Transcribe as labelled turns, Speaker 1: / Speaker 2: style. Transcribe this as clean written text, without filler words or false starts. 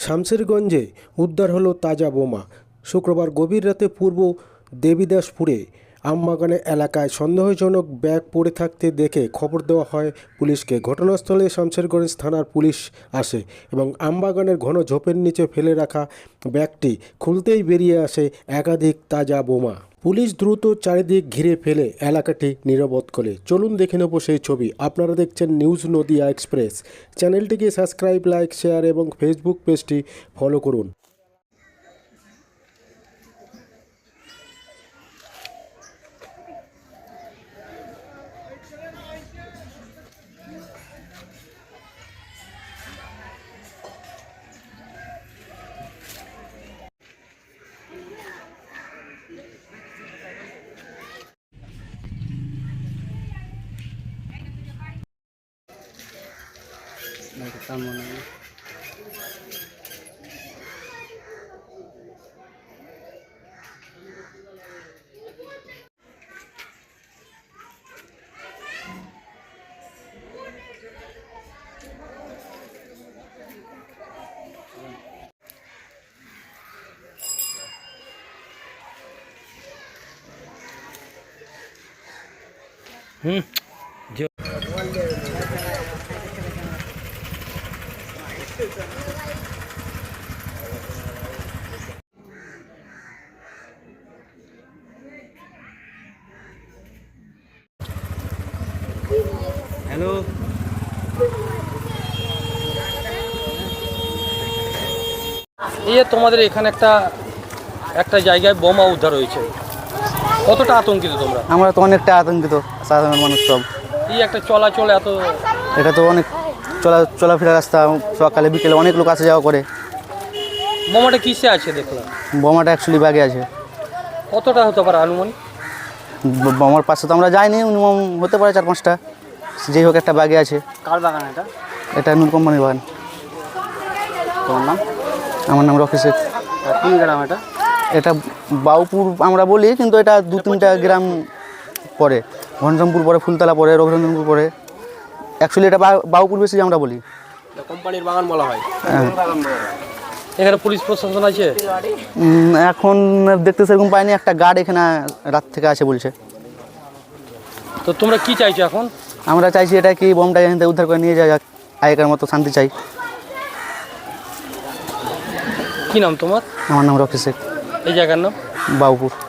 Speaker 1: শামশেরগঞ্জে উদ্ধার হলো তাজা বোমা। শুক্রবার গভীর রাতে পূর্ব দেবীদাসপুরে আমবাগানে এলাকায় সন্দেহজনক ব্যাগ পড়ে থাকতে দেখে খবর দেওয়া হয় পুলিশকে। ঘটনাস্থলে শামশেরগঞ্জ থানার পুলিশ আসে এবং আমবাগানের ঘন ঝোপের নিচে ফেলে রাখা ব্যাগটি খুলতেই বেরিয়ে আসে একাধিক তাজা বোমা। পুলিশ দ্রুত চারিদিক ঘিরে ফেলে এলাকাটি নিরাপদ করে। চলুন দেখে নেব সেই ছবি। আপনারা দেখছেন নিউজ নদিয়া এক্সপ্রেস। চ্যানেলটিকে সাবস্ক্রাইব, লাইক, শেয়ার এবং ফেসবুক পেজটি ফলো করুন।
Speaker 2: হ্যালো, এই তোমাদের এখানে একটা জায়গায় বোমা উদ্ধার হয়েছে, কতটা আতঙ্কিত তোমরা?
Speaker 3: আমরা তো অনেকটা আতঙ্কিত, সাধারণ মানুষ সব।
Speaker 2: এই একটা চলাচল এত,
Speaker 3: এটা তো অনেক চলাফেরা রাস্তা, সকালে বিকেলে অনেক লোক আসা যাওয়া করে।
Speaker 2: বোমাটা কিসে আছে দেখলাম?
Speaker 3: বোমাটা অ্যাকচুয়ালি ব্যাগে আছে।
Speaker 2: কতটা হতে পারে আনুমানিক?
Speaker 3: বোমার পাশে তো আমরা যাইনি, মিনিমাম হতে পারে 4-5টা। যেই হোক একটা ব্যাগে আছে।
Speaker 2: কার বাগান এটা?
Speaker 3: এটা নূর কোম্পানির বাগান।
Speaker 2: তোমার নাম?
Speaker 3: আমার নাম রকি শেখ।
Speaker 2: কোন গ্রাম এটা?
Speaker 3: এটা বাউপুর আমরা বলি, কিন্তু এটা 2-3টা গ্রাম পরে। ঘনশ্যামপুর পরে, ফুলতলা পরে, রঘুরঞ্জনপুর পরে। অ্যাকচুয়ালি এটা বাউপুর বেশি আমরা বলি।
Speaker 2: কোম্পানির বাগান বলা হয়।
Speaker 3: হ্যাঁ।
Speaker 2: এখানে পুলিশ প্রশাসন আছে?
Speaker 3: এখন দেখতে সেরকম পাইনি, একটা গার্ড এখানে রাত থেকে আছে বলছে।
Speaker 2: তো তোমরা কি চাইছো এখন?
Speaker 3: আমরা চাইছি এটা কি বোমটা এখান থেকে উদ্ধার করে নিয়ে যাওয়া যাক, আগেকার মতো শান্তি চাই।
Speaker 2: কি নাম তোমার?
Speaker 3: আমার নাম রকি শেখ।
Speaker 2: এই জায়গার নাম?
Speaker 3: বাউপুর।